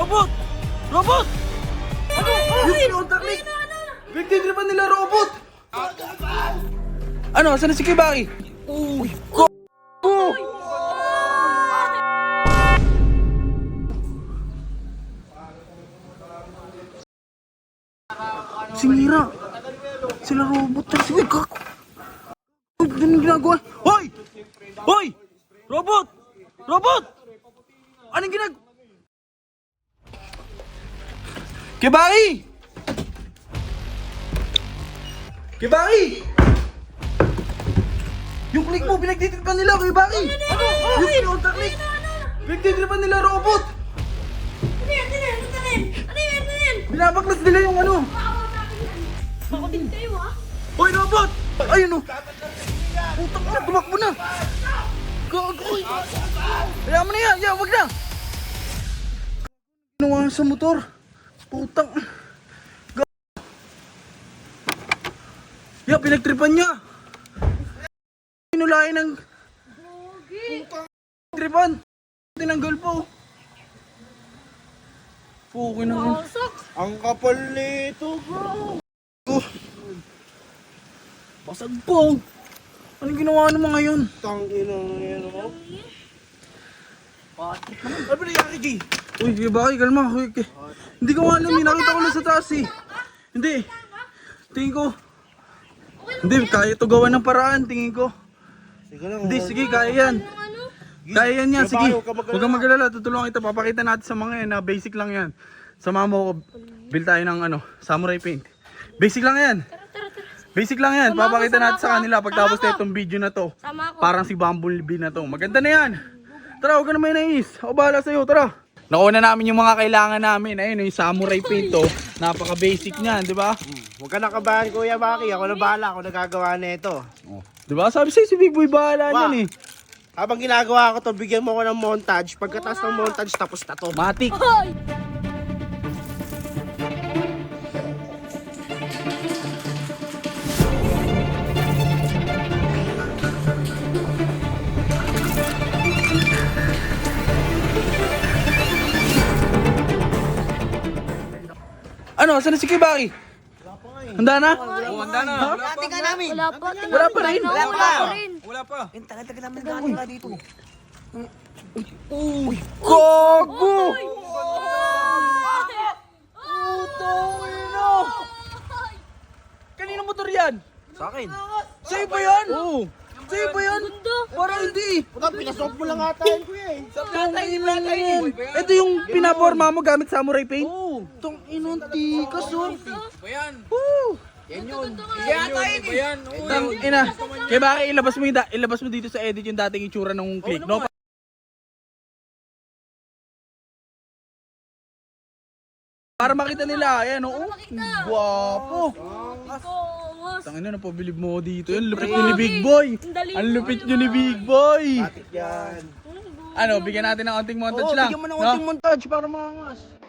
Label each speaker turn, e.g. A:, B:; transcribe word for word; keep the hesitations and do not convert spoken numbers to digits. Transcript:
A: Robot! Robot!
B: Ano?
A: Yung kinontak ni... Pinagtitripan nila robot! Ano? Saan na si Kibaki? Uy! Go! Go! Sinira! Sila robot na si Kak! Ano yung ginagawa? Hoy! Hoy! Robot! Robot! Anong ginag... Kibaki! Kibaki! Yung click mo, pinagtitripan nila, Kibaki! Ano? Yung kinontak click! Pinagtitripan nila robot!
B: Ano yan? Ano yan? Ano yan? Ano yan? Ano yan?
A: Binabaklas nila yung ano!
B: Ako din kayo ah.
A: Hoy, robot! Ayun o! Putang na, tumakbo na! Gagoy! Kaya mo na yan! Yan, wag na! Ginawa sa motor! Putang! Gagoy! Yan, pinagtripan niya! Pinulain ng... Putang! Tripan! Tinanggal po! Pukin na yun!
B: Pasok.
C: Ang kapal nito, bro.
A: Oh. Basag po! Anong ginawa naman ngayon?
C: Tangina na yan, oh.
A: Ano ba nangyari, G? Uy, Kibaki, kalma. Uy, K- Hindi ko alam, eh. Nakita ko lang sa taas eh. Hindi. Tingin ko. Hindi, kaya ito gawa ng paraan, tingin ko.
C: Sige lang.
A: Hindi, sige, kaya yan.
B: Ano?
A: Kaya yan yan, sige.
C: Huwag kang mag-alala.
A: Huwag kang mag-alala, tutulungan kita. Papakita natin sa mga yan na basic lang yan. Sama mo ko, build tayo ng ano, samurai paint. Basic lang yan.
B: Tara, tara, tara.
A: Basic lang yan.
B: Sama ako,
A: Papakita
B: sama
A: natin sa
B: ako.
A: kanila pagtapos
B: Sama
A: na
B: ako.
A: itong video na to.
B: Sama ako.
A: Parang si Bumblebee na to. Maganda na yan. Tara, huwag ka na may nais. Ako bahala sa'yo, tara. Nakuha na namin yung mga kailangan namin. Ayun, yung samurai paint to. Napaka-basic niyan, di ba?
C: Huwag ka nakabahan, Kuya Baki. Ako na bahala. Ako nagagawa na ito.
A: Di ba? Sabi sa'yo si Big Boy bahala
C: Wa.
A: niyan eh.
C: Habang ginagawa ko to, bigyan mo ko ng montage. Pagkatapos ng montage, tapos na to.
A: Matik.
B: Hoy!
A: Ano, saan na si Kibaki? Handa na?
D: Oo, handa na.
A: Ha?
D: Wala pa.
B: Wala pa.
A: Wala pa rin?
B: Wala
D: Wala pa.
B: pa rin.
D: Wala pa. Yung tagal-tagal namin nagkakala dito.
A: Uy, gago!
B: Hoy!
A: Putang ina! Kanino motor yan?
D: Sa akin.
A: Sa'yo ba yan?
D: Oo.
A: Sa'yo ba yan? Parang hindi.
C: Puta, pinasok mo lang ata yun, Kuya eh.
A: Tong ina yan. Ito yung pinaporma mo gamit samurai paint?
D: Oo.
A: Tong inong tikas oh.
D: Bayan.
A: Woo!
D: Yan yun. Yan yun. Bayan. Oo.
A: Tang ina. Kaya bakit ilabas mo, yung da- ilabas mo dito sa edit yung dating itsura ng click, no? Para makita nila, ayan oh. Guwapo.
B: Kongos.
A: Tangina na pabilib mo dito. Yan, lupit nyo ni Big Boy.
B: Ang dali
A: Ang lupit nyo ni Big Boy.
C: Atik yan.
A: Ano, bigyan natin ng konting montage
D: Oo,
A: lang.
D: bigyan mo ng
A: no?
D: konting montage para maangas.